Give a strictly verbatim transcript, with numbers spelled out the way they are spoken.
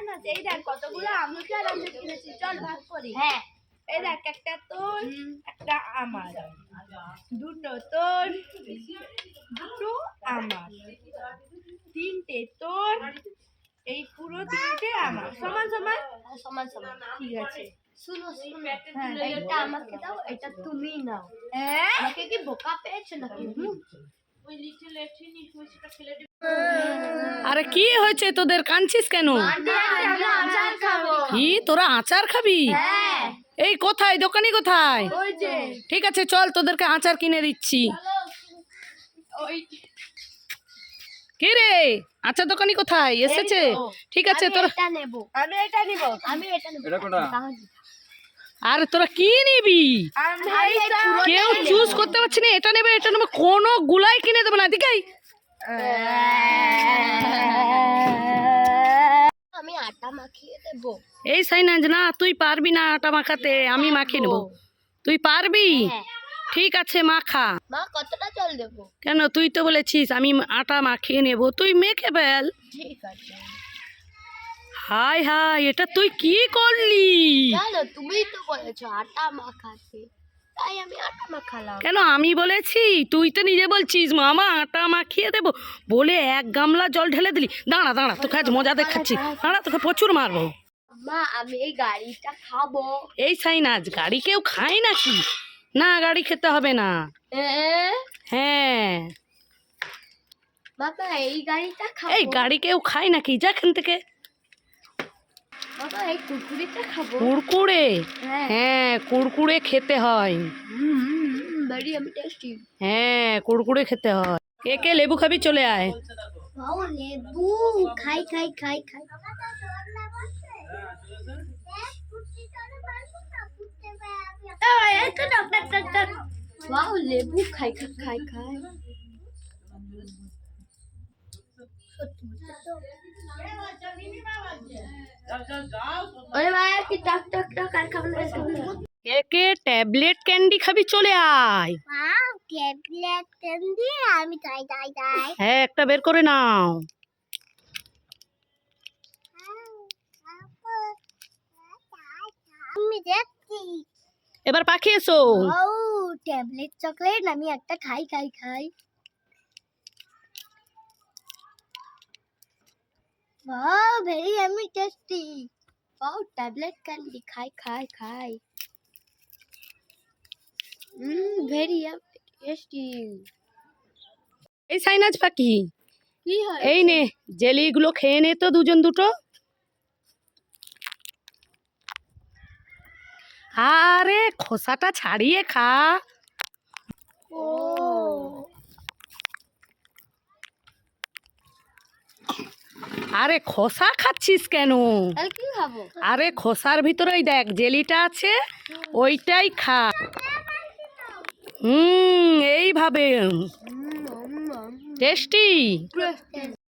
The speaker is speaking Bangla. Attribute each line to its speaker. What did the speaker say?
Speaker 1: না এই দেখ কতগুলো আমলকি আর আমরা কিনেছি, চল ভাগ করি। হ্যাঁ এই দেখ একটা তোর একটা আমার, দুটো তোর দুটো আমার, তিনটে তোর এই পুরো তিনটে আমার, সমান সমান সমান সমান। ঠিক আছে শুনো শুনো, এটা আমাকে দাও, এটা তুমি নাও। হ্যাঁ আমাকে কি বোকা পেয়েছো নাকি? ওই লিটল এটিনি হইছে ফেলে দিই।
Speaker 2: আরে কি হয়েছে তোদের, কাঁদছিস কেন?
Speaker 1: আমরা আচার খাবো।
Speaker 2: কি তোরা আচার খাবি?
Speaker 1: হ্যাঁ
Speaker 2: এই কোথায়, দোকানি কোথায়?
Speaker 1: ওই যে
Speaker 2: ঠিক আছে চল তোদেরকে আচার কিনে দিচ্ছি।
Speaker 1: ওই
Speaker 2: কি রে, আচার দোকানি কোথায় এসেছে? ঠিক আছে তোরা,
Speaker 1: এটা নেব, আমি এটা নিব, আমি এটা নেব।
Speaker 3: এটা কোনটা?
Speaker 2: আরে তোরা কি নিবি?
Speaker 1: আমি
Speaker 2: কেউ চুজ করতে পারছি না, এটা নেবে এটা নেবে, কোনো গুলাই কিনে দেবে না। দিকাই
Speaker 1: আমি আটা মাখিয়ে দেব।
Speaker 2: এই সাইনাজ না, তুই পারবি না আটা মাখাতে, আমি মাখিয়ে নেবো। তুই পারবি? ঠিক আছে মাখা।
Speaker 1: মা কতটা জল দেব?
Speaker 2: কেন, তুই তো বলেছিস আমি আটা মাখিয়ে নেব, তুই মেখে ফেল।
Speaker 1: ঠিক আছে।
Speaker 2: হাই হাই, এটা তুই কি করলি?
Speaker 1: জানো তুমি তো বলেছো আটা মাখাতে, তাই আমি আটা মাখালাম।
Speaker 2: কেন আমি বলেছি? তুই তো নিজে বলছিস মামা আটা মাখিয়ে দেবো বলে এক গামলা জল ঢেলে দিলি। দাঁড়া দাঁড়া, তোকে আজ মজা দেখাচ্ছি, দাঁড়া তোকে প্রচুর মারবো।
Speaker 1: মা আমি এই গাড়িটা খাবো।
Speaker 2: এই সাইনাজ, গাড়ি কেউ খায় নাকি? না গাড়ি খেতে হবে না। হ্যাঁ
Speaker 1: বাবা এই গাড়িটা খাবো।
Speaker 2: এই গাড়ি কেউ খায় নাকি? যা এখান থেকে।
Speaker 1: বাবা এই কুরকুরিটা খাবো।
Speaker 2: কুড়কুড়ে?
Speaker 1: হ্যাঁ
Speaker 2: হ্যাঁ কুড়কুড়ে খেতে হয়।
Speaker 1: ভেরি আমি টেস্টি।
Speaker 2: হ্যাঁ কুড়কুড়ে খেতে হয়। কে কে লেবু খাবি চলে আয়।
Speaker 1: বাও লেবু খাই খাই খাই খাই। বাও লেবু খাই খাই খাই খাই। अरे भाई कि टक टक टक আর খাবো না খাবো না।
Speaker 2: কে কে ট্যাবলেট ক্যান্ডি খাবি চলে আয়।
Speaker 1: ওয়াও ট্যাবলেট ক্যান্ডি, আমি তাই তাই তাই।
Speaker 2: হ্যাঁ একটা বের করে নাও।
Speaker 1: আমি দেখছি।
Speaker 2: এবার পাখি এসো।
Speaker 1: ও ট্যাবলেট চকলেট, আমি একটা খাই খাই খাই। वाह very yummy tasty। वाह टैबलेट कैंडी खाई खाई खाई। हम्म very yummy tasty।
Speaker 2: এই সাইনাজ পাখি,
Speaker 1: কি হয়?
Speaker 2: এই নে জেলিগুলো খেয়ে নে তো দুজন দুটো। আরে খোসাটা ছাড়িয়ে খা।
Speaker 1: ও
Speaker 2: আরে খোসা খাচ্ছিস কেন?
Speaker 1: তাহলে কি খাবো?
Speaker 2: আরে খোসার ভিতরেই দেখ জেলিটা আছে, ওইটাই খা। হুম এইভাবে টেস্টি।